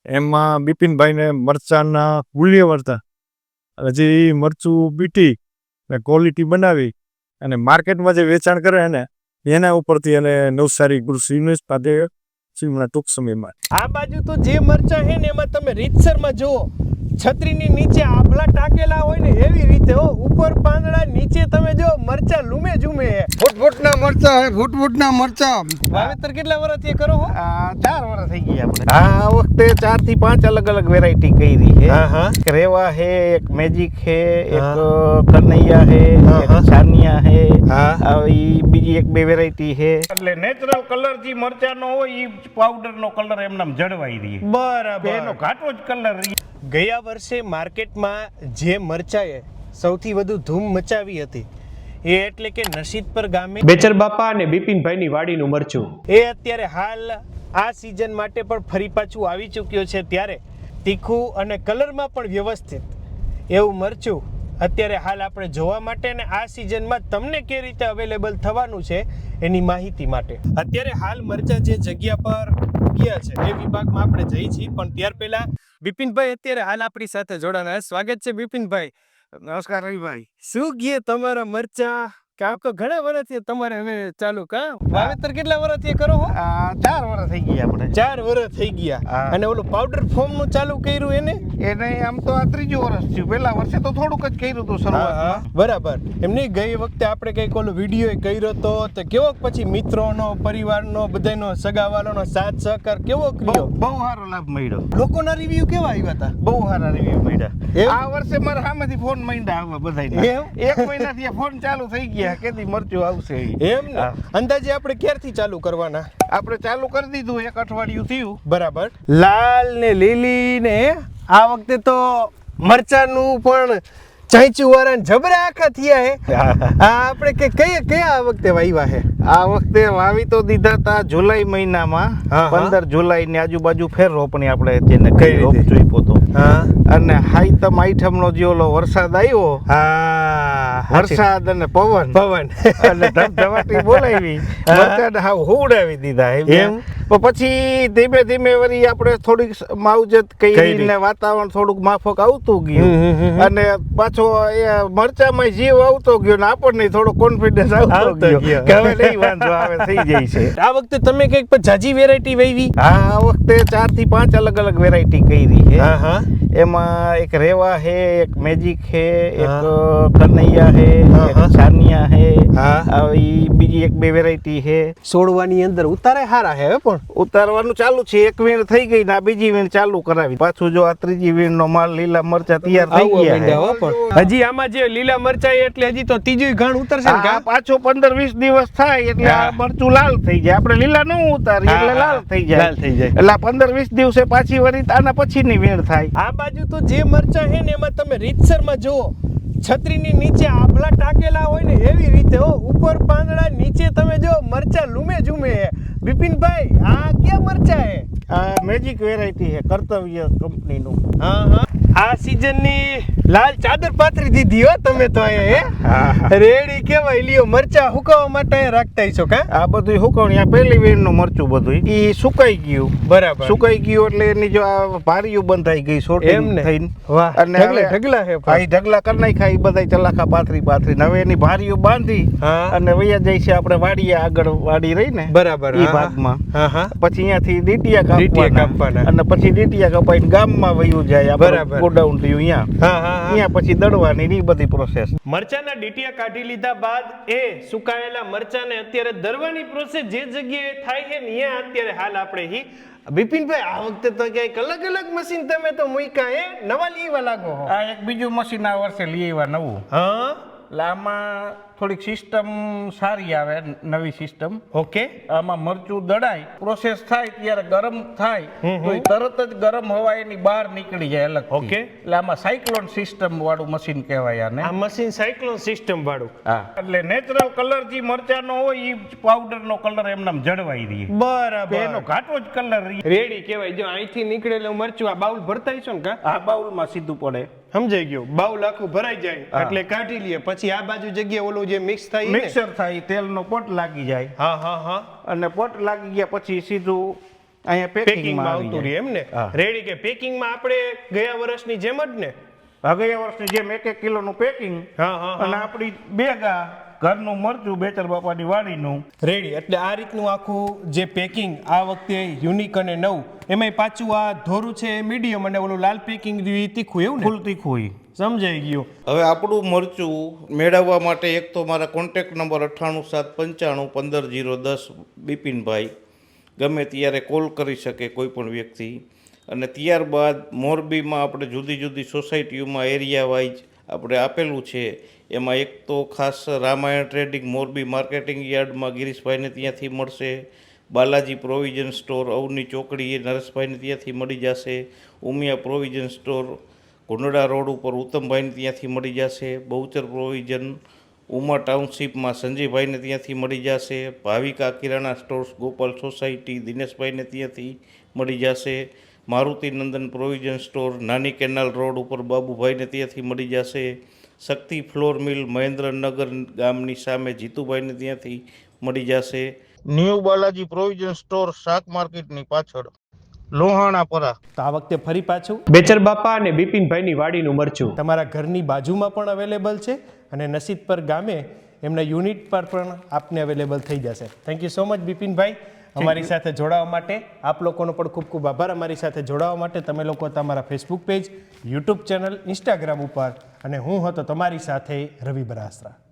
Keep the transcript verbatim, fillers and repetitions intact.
એમાં બિપિનભાઈને મરચાંના મૂલ્ય વર્તા એટલે જે મરચું બીટી ને ક્વોલિટી બનાવી અને માર્કેટમાં જે વેચાણ કરે ને એના ઉપરથી એને નવસારી કૃષિ યુનિવર્સિટી ટૂંક સમયમાં. આ બાજુ તો જે મરચા છે ને એમાં તમે રીતસરમાં જુઓ, છત્રીની નીચે આભલા ટાકેલા હોય ને એવી રીતે હો, ઉપર પાંદડા, નીચે તમે જો મરચા લૂમે ઝૂમે હે. ફૂટ ફૂટના મરચા હે, ફૂટ ફૂટના મરચા. વાવેતર કેટલા વર્ષથી કરો હો? ચાર વર્ષ થઈ ગયા આપણે. આ વખતે ચાર થી પાંચ અલગ અલગ વેરાયટી કરી છે. હા હા. એક રેવા હે, એક મેજિક હે, એક કનૈયા હે, એક સાનિયા હે. હા. આવી બીજી એક બે વેરાયટી હે. એટલે નેચરલ કલર જે મરચાનો હોય ઈ પાવડર નો કલર એમનામ જળવાઈ રહે. બરાબર. એનો ઘાટો જ કલર રહે. ગયા વર્ષે માર્કેટમાં જે મરચાએ સૌથી વધુ ધૂમ મચાવી હતી એ એટલે કે નસીદપર ગામે બેચર બાપા અને બિપિનભાઈની વાડીનું મરચું એ અત્યારે હાલ આ સિઝન માટે પણ ફરી પાછું આવી ચૂક્યો છે. ત્યારે તીખું અને કલરમાં પણ વ્યવસ્થિત એવું મરચું અત્યારે હાલ આપણે જોવા માટે અને આ સિઝનમાં તમને કે રીતે અવેલેબલ થવાનું છે એની માહિતી માટે અત્યારે હાલ મરચા જે જગ્યા પર ગયા છે એ વિભાગમાં આપણે જઈ છીએ. પણ ત્યાર પહેલા બિપિનભાઈ અત્યારે હાલ આપણી સાથે જોડાના. સ્વાગત છે બિપિનભાઈ. નમસ્કાર રવિભાઈ. શું ગયે તમારા મરચા? કામ તો ઘણા વર્ષથી તમારે હવે ચાલુ કા વાવેતર કેટલા વર્ષથી કરો હો? ચાર વર્ષ થઈ ગયા આપણે. ચાર વર્ષ થઈ ગયા. અને ઓલું પાવડર ફોર્મ નું ચાલુ કર્યું એને? એને આમ તો આ ત્રીજું વર્ષ થયું. પેલા વર્ષે તો થોડુંક જ કર્યું હતું શરૂઆતમાં. બરાબર. એમની ગઈ વખતે આપણે કઈક ઓલો વિડીયો કર્યો હતો તો કેવો પછી મિત્રોનો, પરિવારનો, બધાનો, સગાવાલાનો સાથ સહકાર કેવો કર્યો? બહુ સારો લાભ મળ્યો. લોકોના રિવ્યુ કેવા આવ્યા હતા? બહુ સારા રિવ્યુ મળ્યા. એમ? આ વર્ષે મારા સામેથી ફોન માંડ્યા આવવા બધાયના. એમ? એક મહિનાથી આ ફોન ચાલુ થઈ ગયા કેદી મરચું આવશે. એમ ને? અંદાજે આપણે ક્યારથી ચાલુ કરવાના? આપણે ચાલુ કરી દીધું, એક અઠવાડિયું થયું. બરાબર. લાલ ને લીલી ને આ વખતે તો મરચાનું પણ ચાંચુ વાળા જબરા આખા થયા હે. આ આપણે કે કઈ કયા આ વખતે વાવ્યા હે? આ વખતે વાવી તો દીધા હતા જુલાઈ મહિનામાં. હા, હા. પંદર જુલાઈ ની આજુબાજુ ફેર રોપણી આપણે જેને કઈ કઈ રોપ રીતે? જોઈપો તો. હા અને હાઈતમ આઈઠમ નો જે ઓલો વરસાદ આવ્યો, હા વરસાદ અને પવન પવન અને ધબધબાટી બોલાવી મરચાને હાવ હુવડાવી દીધા એમ. એમ? પણ પછી ધીમે ધીમે વળી આપણે થોડીક માવજત કરી. કરી ને વાતાવરણ થોડુંક માફક આવતું હમ, હમ, હમ. ગયું અને પાછો એ મરચામાં જીવ આવતો ગયો ને આપણને થોડો કોન્ફિડન્સ આવતો આવતો ગયો ગયો. કે હવે નહીં વાંધો આવે, થઈ જાય છે. આ વખતે તમે કઈક પણ જાજી વેરાયટી વાવી? આ વખતે ચાર થી પાંચ અલગ અલગ વેરાયટી કરી છે. હા હા. એમાં એક રેવા હે, એક મેજિક હે, હા. એક કનૈયા હે, હા, હા. એક સાનિયા હે. હા. આવી બીજી એક બે વેરાયટી હે. સોળવાની અંદર ઉતારે હારા હે પણ ઉતારવાનું ચાલુ છે. એક વીણ થઈ ગઈ ને આ બીજી વીણ ચાલુ કરાવી. પાછું જો આ ત્રીજી વીણ નો માલ લીલા મરચા તૈયાર થઈ આવવા ગયા માંડ્યા હે. હો પણ. હજી આમાં જે લીલા મરચા એટલે હજી તો ત્રીજું ઘાણ ઉતરશે ને આ કા? પાછો પંદર વીસ દિવસ થાય એટલે આ હા. મરચું લાલ થઈ જાય. આપણે લીલા ન ઉતારી હા, એટલે હા. લાલ થઈ જાય. લાલ થઈ જાય. એટલે આ પંદર વીસ દિવસે પાછી વળી આના પછીની વીણ થાય. આ બાજુ તો જે મરચા છે ને એમાં તમે રીતસરમાં જુઓ, છત્રીની નીચે આભલા ટાકેલા હોય ને એવી રીતે હો, ઉપર પાંદડા, નીચે તમે જો મરચા લૂમે ઝૂમે હે. બિપિનભાઈ આ ક્યાં મરચા હે? આ મેજિક વેરાયટી છે, કર્તવ્ય કંપનીનું. હા હા. આ સિઝનની લાલ ચાદર પાથરી દીધી હો તમે તો અહીંયા હા, હે રેડી કેવાય લ્યો. મરચા હુકાવા માટે અહીંયા રાખતા છો કા? આ બધું સુકવણી, આ પહેલી વીણનું મરચું બધું ઈ સુકાઈ ગયું. બરાબર. સુકાઈ ગયું એટલે એની જો આ ભારીયું બંધાઈ ગઈ એમ સોટિંગ ને? થઈને. વાહ. અને ઢગલા હવે- ઢગલા હે ભાઈ ઢગલા કરી નાખ્યા ઈ બધાય ચલાખા પાથરી પાથરી. હવે એની ભારીયું બાંધી હા. અને વૈયા જાય છે આપણે વાડીએ, આગળ વાડી રહી ને બરાબર. ઈ હા, હા. ભાગમાં. હા હા. પછી અહીંયાથી ડીટીયા ડીટીયા કાપવાના કાપવાના. અને પછી ડીટીયા કપાઈને ગામમાં વયું જાય. બરાબર. ગોડાઉન થયું અહીંયા. હા હા હા. અહીંયા પછી દળવાની ને ઈ બધી પ્રોસેસ. મરચાના ડીટીયા કાઢી લીધા બાદ એ સુકાયેલા મરચાને અત્યારે દરવાની પ્રોસેસ જે જગ્યાએ થાય છે ને ત્યાં અત્યારે હાલ આપણે હી બિપિનભાઈ આ વખતે તો ક્યાંક અલગ અલગ મશીન તમે તો મૂક્યા હે, નવા લેવા લાગો હો. આ એક બીજું મશીન આ વર્ષે લઈ આવ્યા નવું. હા. એટલે આમાં થોડીક સિસ્ટમ સારી આવે, નવી સિસ્ટમ. ઓકે. આમાં મરચું દળાય, પ્રોસેસ થાય ત્યારે ગરમ થાય હમ હમ. તો ઈ તરત જ ગરમ હવા એની બહાર નીકળી જાય અલગ. ઓકે. એટલે આમાં સાયક્લોન સિસ્ટમ વાળું મશીન કહેવાય આને. આ મશીન સાયક્લોન સિસ્ટમ વાળું. હા. એટલે નેચરલ કલર જે મરચાનો હોય ઈ પાવડર નો કલર એમનામ જળવાઈ રહે. બરાબર. એનો ઘાટો જ કલર રહે. રેડી કહેવાય. જો અહીંથી નીકળેલું મરચું આ બાઉલ ભરતા છો ને કા? આ બાઉલમાં સીધું પડે. સમજાઈ ગયું. બાઉલ આખું ભરાઈ જાય એટલે કાઢી લઈએ. પછી આ બાજુ જગ્યાએ ઓલું જે મિક્સ થાય ઈ ને? મિક્સર થાય, તેલનો પોટ લાગી જાય હા હા હા. અને પોટ લાગી ગયા પછી સીધું અહીંયા પેકિંગમાં પેકિંગમાં આવતું આવી રહે જાય. એમ ને હા. રેડી કે પેકિંગમાં આપણે ગયા વર્ષની જેમ જ ને આ ગયા વર્ષની જેમ એક એક કિલોનું પેકિંગ હા હા અને આપણી બેગા ઘરનું મરચું બેચર બાપાની વાડીનું રેડી એટલે આ રીતનું આખું જે પેકિંગ આ વખતે યુનિક અને નવું એમાંય પાછું આ ધોરું છે મીડિયમ અને ઓલું લાલ પેકિંગ તીખું એવું ને ફૂલ તીખું હોય. સમજાઈ ગયું. હવે આપણું મરચું મેળવવા માટે એક તો મારા કોન્ટેક્ટ નંબર અઠ્ઠાણું સાત પંચાણું પંદર જીરો દસ બિપિનભાઈ ગમે ત્યારે કોલ કરી શકે કોઈ પણ વ્યક્તિ. અને ત્યારબાદ મોરબીમાં આપણે જુદી જુદી સોસાયટીઓમાં એરિયા વાઇઝ આપણે આપેલું છે. એમાં એક તો ખાસ રામાયણ ટ્રેડિંગ મોરબી માર્કેટિંગ યાર્ડમાં ગિરીશભાઈને ત્યાંથી મળશે. બાલાજી પ્રોવિઝન સ્ટોર અવની ચોકડી એ નરેશભાઈને ત્યાંથી મળી જશે. Umiya provision store Gundada road ઉપર ઉત્તમભાઈને ત્યાંથી મળી જશે. બહુચર પ્રોવિઝન ઉમા ટાઉનશીપમાં સંજયભાઈને ત્યાંથી મળી જશે. ભાવિકા કિરાણા સ્ટોર્સ ગોપાલ સોસાયટી દિનેશભાઈને ત્યાંથી મળી જશે. મારુતિ નંદન પ્રોવિઝન સ્ટોર નાની કેનાલ રોડ ઉપર બાબુભાઈને ત્યાંથી મળી જશે. શક્તિ ફ્લોર મિલ મહેન્દ્રનગર ગામની સામે જીતુભાઈને ત્યાંથી મળી જશે. ન્યૂ બાલાજી પ્રોવિઝન સ્ટોર શાક માર્કેટની પાછળ લોહાણાપરા. તો આ વખતે ફરી પાછું બેચર બાપા અને બિપિનભાઈની વાડીનું મરચું તમારા ઘરની બાજુમાં પણ અવેલેબલ છે અને નસીદપર ગામે એમના યુનિટ પર પણ આપને અવેલેબલ થઈ જશે. થેન્ક યુ સો મચ બિપિનભાઈ અમારી સાથે જોડાવા માટે. આપ લોકોનો પણ ખૂબ ખૂબ આભાર અમારી સાથે જોડાવા માટે. તમે લોકો તમારા Facebook page, YouTube channel, Instagram ઉપર અને હું હતો તમારી સાથે રવિ બરાસરા.